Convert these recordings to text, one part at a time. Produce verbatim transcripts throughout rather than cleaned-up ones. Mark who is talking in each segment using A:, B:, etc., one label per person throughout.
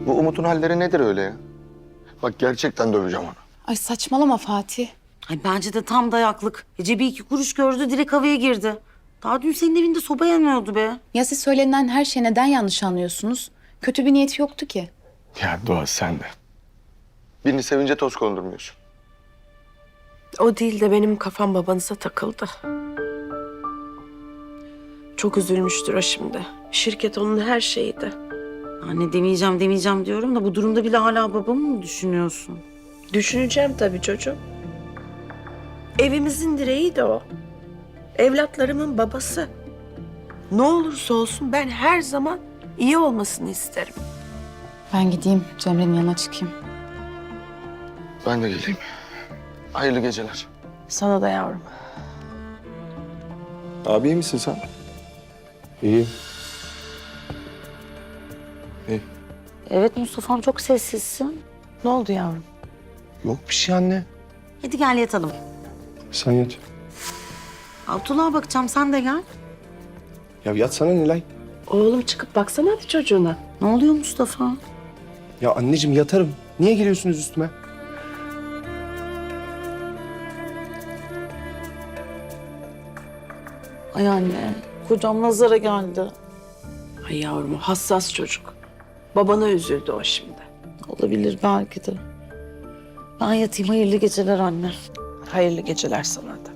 A: Bu Umut'un halleri nedir öyle ya? Bak gerçekten döveceğim onu.
B: Ay saçmalama Fatih.
C: Ay bence de tam dayaklık. E, cebi iki kuruş gördü, direkt havaya girdi. Daha dün senin evinde soba yanıyordu be.
B: Ya siz söylenen her şeyi neden yanlış anlıyorsunuz? Kötü bir niyeti yoktu ki.
A: Ya Doğa sen de. Birini sevince toz kondurmuyorsun.
D: O değil de benim kafam babanıza takıldı. Çok üzülmüştür o şimdi. Şirket onun her şeyiydi.
C: Anne demeyeceğim demeyeceğim diyorum da bu durumda bile hala babamı mı düşünüyorsun?
D: Düşüneceğim tabii çocuğum. Evimizin direği de o. Evlatlarımın babası. Ne olursa olsun ben her zaman iyi olmasını isterim.
B: Ben gideyim Cemre'nin yanına çıkayım.
A: Ben de geleyim. Hayırlı geceler.
D: Sana da yavrum.
A: Abi iyi misin sen? İyi. İyi.
C: Evet Mustafa'm, çok sessizsin.
D: Ne oldu yavrum?
A: Yok bir şey anne.
C: Hadi gel yatalım.
A: Sen yat.
C: Abdullah'a bakacağım, sen de gel.
A: Ya yatsana Nilay.
D: Oğlum çıkıp baksana hadi çocuğuna.
C: Ne oluyor Mustafa?
E: Ya anneciğim yatarım. Niye geliyorsunuz üstüme?
C: Ay anne, kocam nazara geldi.
D: Ay yavrum, hassas çocuk. Babana üzüldü o şimdi.
C: Olabilir belki de. Ben yatayım, hayırlı geceler anne.
D: Hayırlı geceler sana da.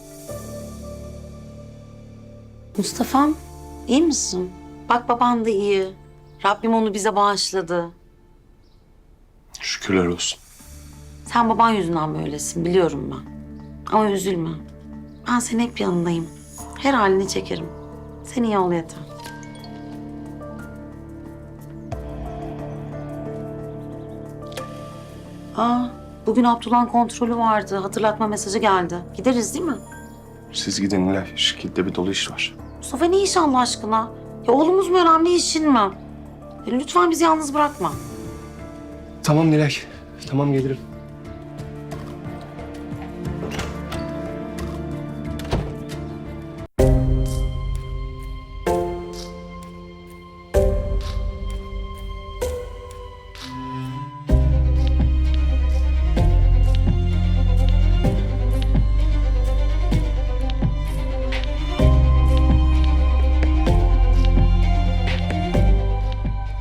C: Mustafa'm, iyi misin? Bak baban da iyi. Rabbim onu bize bağışladı.
A: Şükürler olsun.
C: Sen baban yüzünden böylesin, biliyorum ben. Ama üzülme. Ben senin hep yanındayım. Her halini çekerim. Sen iyi ol yeter. Aa, bugün Abdullah'ın kontrolü vardı. Hatırlatma mesajı geldi. Gideriz değil mi?
E: Siz gidin Nilay. Şirkette bir dolu iş var.
C: Mustafa, ne iş Allah aşkına? Ya oğlumuz mu önemli, işin mi? Ya lütfen bizi yalnız bırakma.
E: Tamam Nilay. Tamam gelirim.